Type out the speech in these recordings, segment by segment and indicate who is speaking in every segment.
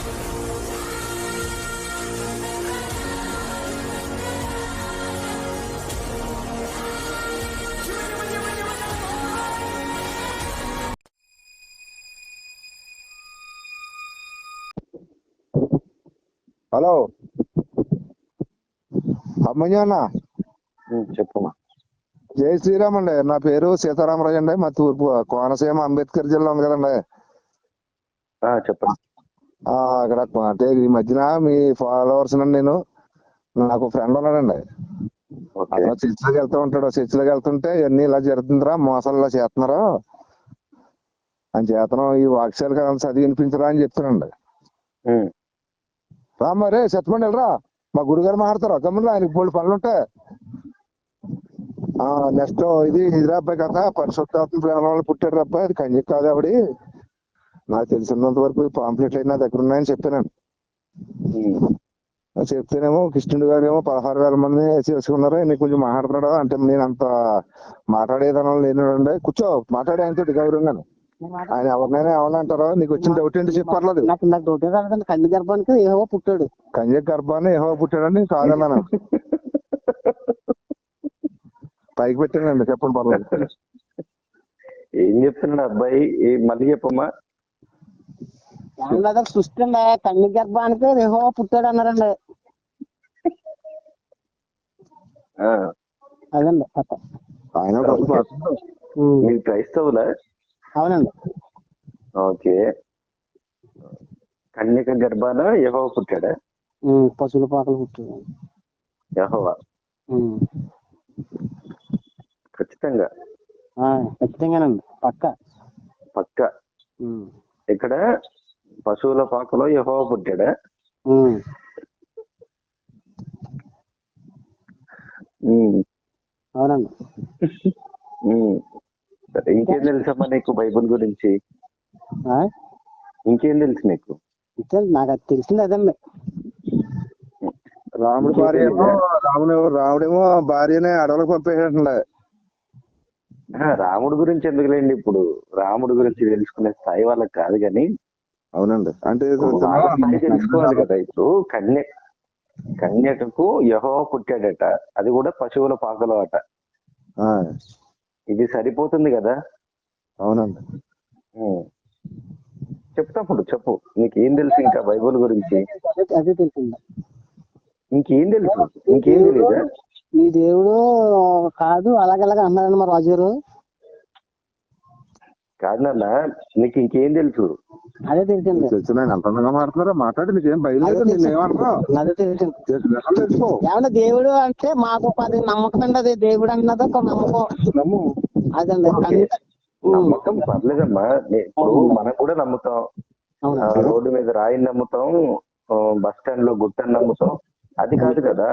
Speaker 1: Hello అమ్మయ్య అన్న.
Speaker 2: చెప్పమ్మా.
Speaker 1: జై శ్రీరామ్ అండి. నా పేరు సీతారామరాజు అండి. మా తూర్పు కోనసీమ అంబేద్కర్ జిల్లా ఉంది కదండి.
Speaker 2: చెప్పండి.
Speaker 1: అక్కడ అంటే ఈ మధ్యన మీ ఫాలోవర్స్ నండి. నాకు ఫ్రెండ్ ఉన్నాడండి. అలా చర్చిలోకి వెళ్తూ ఉంటాడు. చర్చిలోకి వెళ్తుంటే ఇవన్నీ ఇలా జరుగుతుందిరా, మోసాలు చేస్తున్నారు అని చేతనం, ఈ వాక్యాలు కదా చదివి వినిపించరా అని చెప్తానండి. రా మరి చెప్పండి, వెళ్ళరా, మా గురుగారు మాట్లాడతారు గమ్మున, ఆయనకి బోల్డ్ పనులు ఉంటాయి. నెక్స్ట్ ఇది అబ్బాయి కథ, పరిశుద్ధాత్మ ప్రేమ పుట్టాడు అబ్బాయి, అది కన్యక కాదు ఆవిడ. నాకు తెలిసినంత వరకు పాంప్లెట్లు అయితే నా దగ్గర ఉన్నాయని చెప్పానండి. చెప్తేనేమో కృష్ణుడు గారు ఏమో 16,000 మంది చేసుకున్నారు, నీకు కొంచెం మాట్లాడుతున్నాడు అంటే, నేను అంత మాట్లాడేదనం లేనండి. కూర్చో, మాట్లాడే ఆయనతో గౌరవంగానే. ఆయన ఎవరినైనా ఏమన్నా నీకు వచ్చిన డౌట్ ఏంటి చెప్పర్లేదు.
Speaker 3: కన్య గర్భానికి యెహోవా పుట్టాడు.
Speaker 1: కన్య గర్భాన్ని యెహోవా పుట్టాడని కాదన్నాను. పైకి పెట్టానండి, చెప్పండి పర్లేదు.
Speaker 2: ఏం చెప్తున్నాడు అబ్బాయి? మళ్ళీ చెప్పమ్మా.
Speaker 3: సృష్టి అండి, కన్య గర్భానికి యెహోవా పుట్టాడు అన్నారండి. అదండి
Speaker 2: ఆయన మీరు క్రైస్తవులా?
Speaker 3: అవునండి.
Speaker 2: ఓకే. కన్యక గర్భాన యెహోవా పుట్టాడా?
Speaker 3: పశువుల పాకలు పుట్టాడు
Speaker 2: యెహోవా. ఖచ్చితంగా
Speaker 3: ఖచ్చితంగానండి, పక్క.
Speaker 2: ఇక్కడ పశువుల పాకలో యెహోవా పుట్టాడా?
Speaker 3: అవునండి.
Speaker 2: ఇంకేం తెలుసమ్మా నీకు బైబుల్ గురించి? ఇంకేం తెలుసు నీకు?
Speaker 3: నాకు అది తెలిసింది అదండి.
Speaker 1: రాముడు భార్య ఏమో రాముడేమో భార్యనే అడవులకు పంపేటండి.
Speaker 2: రాముడు గురించి ఎందుకులేండి, ఇప్పుడు రాముడు గురించి తెలుసుకునే స్థాయి వాళ్ళకి కాదు కానీ.
Speaker 1: అవునండి, అంటే
Speaker 2: తెలుసుకోవాలి కదా. ఇప్పుడు కన్యకకు యెహోవా పుట్టాడట, అది కూడా పశువుల పాకలో అట. ఇది సరిపోతుంది కదా.
Speaker 1: అవునండి.
Speaker 2: చెప్తాప్పుడు చెప్పు, నీకేం తెలుసు ఇంకా బైబుల్ గురించి?
Speaker 3: అదే తెలిసింది.
Speaker 2: ఇంకేం తెలుసు? ఇంకేం తెలీదా?
Speaker 3: మీ దేవుడు కాదు అలాగలాగా అన్నారన్న మా రాజుగారు.
Speaker 2: కాదన్నా, నీకు ఇంకేం తెలుసు?
Speaker 3: అదే తెలిసింది.
Speaker 1: తెలుసు, అంత అందంగా మాట్లాడుతున్నారా, మాట్లాడి నీకేం బయలుదేరు.
Speaker 3: అదే తెలిసింది. ఏమన్నా దేవుడు అంటే మాకు అది నమ్మకం అండి, అది దేవుడు అన్నది ఒక నమ్మకం. అదండి
Speaker 2: నమ్మకం. పర్లేదమ్మా, ఇప్పుడు మనం కూడా నమ్ముతాం. రోడ్డు మీద రాయిని నమ్ముతాం, బస్ స్టాండ్ లో గుట్టని నమ్ముతాం. అది కాదు కదా.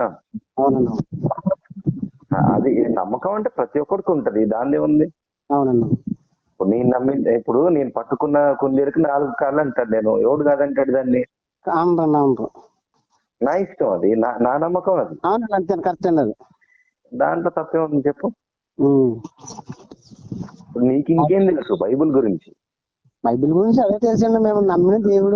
Speaker 2: అది నమ్మకం అంటే ప్రతి ఒక్కరికి ఉంటది, దాన్ని ఉంది.
Speaker 3: అవునండి.
Speaker 2: ఇప్పుడు నేను పట్టుకున్న కుందేలుకి 4 కాళ్ళు అంటాడు, నేను ఎవడు కాదంటాడు దాన్ని. నా ఇష్టం, అది నా నమ్మకం. అది
Speaker 3: కరెక్ట్ అండి. అది
Speaker 2: దాంట్లో తప్పే ఉంది చెప్పు. నీకు ఇంకేం తెలుసు బైబుల్ గురించి?
Speaker 3: బైబిల్ గురించి అదే తెలుసండి, మేము నమ్మిన దేవుడు.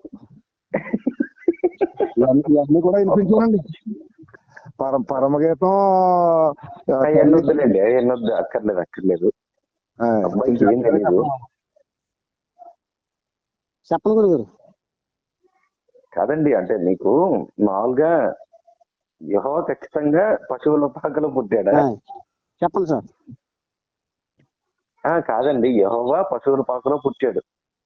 Speaker 1: ఇవన్నీ కూడా వినిపించాలండి. పరమగీతం
Speaker 2: ఎన్నొద్దులేండి, ఎన్నొద్దు, అక్కర్లేదు. అబ్బాయికి ఏం తెలీదు.
Speaker 3: చెప్పండి గురుగారు.
Speaker 2: కాదండి, అంటే నీకు మామూలుగా యెహోవా ఖచ్చితంగా పశువుల పాకలో పుట్టాడా?
Speaker 3: చెప్పండి సార్.
Speaker 2: కాదండి, యెహోవా పశువుల పాకలో పుట్టాడు.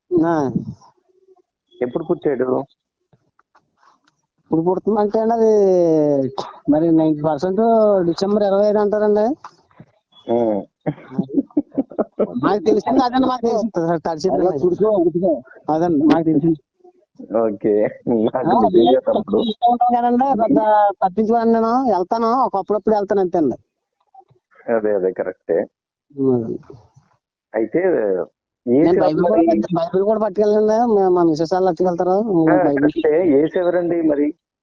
Speaker 2: ఎప్పుడు పుట్టాడు?
Speaker 3: ఇప్పుడు పుడుతుందంటే అండి అది మరి 90% డిసెంబర్ 25 అంటారండి. మాకు తెలిసింది అదండి, మాకు తెలిసింది అదండి, మాకు తెలిసింది.
Speaker 2: ఓకే.
Speaker 3: పెద్ద పట్టించుకోండి, నేను వెళ్తాను ఒకప్పుడప్పుడు వెళ్తాను అంతే అండి.
Speaker 2: అదే కరెక్టే. అయితే
Speaker 3: బైబిల్ కూడా పట్టుకెళ్ళండి, మా మిసెస్ వాళ్ళు పట్టుకెళ్తారు.
Speaker 2: ఏసు ఎవరండి మరి?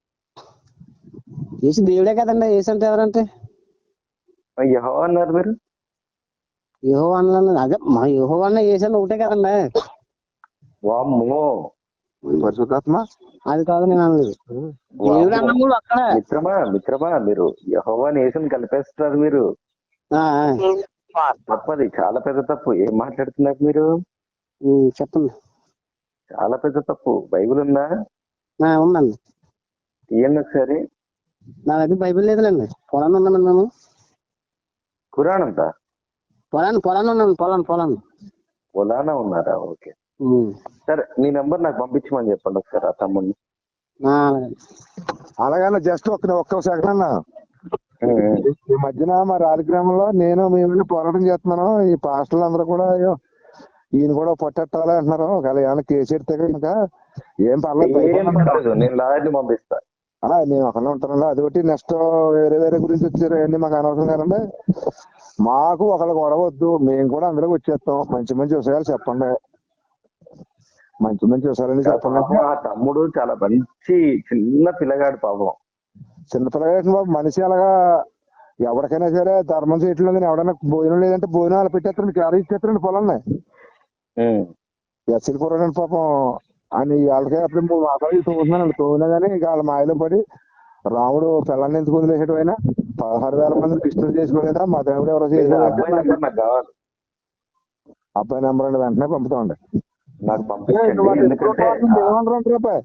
Speaker 3: ఏసు దేవుడే కదండి. ఏసు అంటే ఎవరంటే?
Speaker 2: యెహోవా అన్నారు మీరు.
Speaker 3: యెహోవా అన్నాను, అదే మా యెహోవా అన్న ఏసు అన్న ఒకటే కదండి.
Speaker 2: వామ్మో,
Speaker 1: పరిశుద్ధాత్మ
Speaker 3: అది కాదు నేను అనలేదు. దేవుడు అన్నప్పుడు అక్కడ
Speaker 2: మిత్రమా మీరు యెహోవాని యేసుని కలిపేస్తున్నారు మీరు. తప్పది, చాలా పెద్ద తప్పు. ఏం మాట్లాడుతున్నారు మీరు?
Speaker 3: చెప్పండి.
Speaker 2: చాలా పెద్ద తప్పు. బైబిల్ ఉందా?
Speaker 3: ఉందండి.
Speaker 2: తీయండి ఒకసారి.
Speaker 3: నా దగ్గర బైబిల్ లేదులేండి. పొలాన్ని ఉన్నాను మేము.
Speaker 2: ఖురాన్ అంతా
Speaker 3: పొలాన్ని ఉన్నాను.
Speaker 2: పొలానా ఉన్నారా? ఓకే సరే, మీ నెంబర్ నాకు పంపించమని చెప్పండి ఒకసారి ఆ తమ్ముడిని.
Speaker 1: అలాగన్నా జస్ట్ ఒక్క సెకండ్ అన్న. ఈ మధ్యన మా రాజగ్రామంలో నేను మేము పోరాటం చేస్తున్నాను. ఈ పాస్టర్లు అందరూ కూడా ఈయన కూడా పొట్టెట్టాలి అంటున్నారు. ఒకవేళ ఏమైనా కేసు ఎడితే కనుక ఏం
Speaker 2: పర్లేదు, నేను లాయర్ని పంపిస్తా.
Speaker 1: నేను ఒకనే ఉంటానండి. అదొకటి నెక్స్ట్ వేరే గురించి వచ్చారు అన్ని మాకు అనవసరం కాదండి. మాకు ఒకళ్ళు గొడవ వద్దు, మేము కూడా అందులోకి వచ్చేస్తాం. మంచి విషయాలు చెప్పండి, మంచి విషయాలని చెప్పండి.
Speaker 2: ఆ తమ్ముడు చాలా మంచి చిన్న పిల్లగాడు పాపం.
Speaker 1: చిన్న పిల్లగాడు బాబు. మనిషి అలాగా ఎవరికైనా సరే ధర్మం చేయట్లేదు. కానీ ఎవడైనా భోజనం లేదంటే భోజనం అలా పెట్టేస్తారండి, క్యారీ ఇచ్చేస్తారండి పొలాన్ని. ఎస్సీలు కూరండి పాపం అని వాళ్ళకే అప్పుడు 3 మాసాలు తోగుతున్నానండి. తోగినా కానీ ఇక వాళ్ళ మాయలో పడి రాముడు పిల్లల్ని ఎందుకు వదిలేసాడు? ఆయన 16,000 మందిని కృష్ణుడు చేసుకోలేదా? మా దేవుడు ఎవరో చేసుకోలేదు. అబ్బాయి నెంబర్ అండి, వెంటనే పంపుతామండి.
Speaker 2: నాకు పంపించండి.
Speaker 1: రూపాయి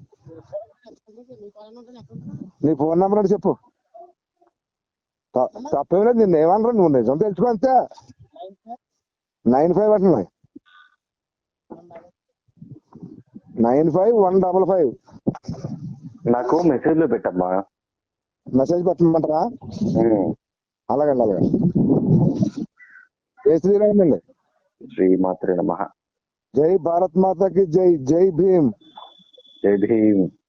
Speaker 1: నీ ఫోన్ నెంబర్ అంటే చెప్పు. తప్పేం లేదు, నిన్ను ఏమనరా, నువ్వు నిజం తెలుసుకో అంతే. 95 అంటున్నాయి. 95-155.
Speaker 2: నాకు మెసేజ్ లో పెట్టమ్మా.
Speaker 1: మెసేజ్ పెట్టమంటారా? అలాగండి. ఏ శ్రీరామండి.
Speaker 2: శ్రీమాత్రే నమః.
Speaker 1: జై భారత్ మాతకి జై. జై భీమ్.
Speaker 2: జై భీమ్.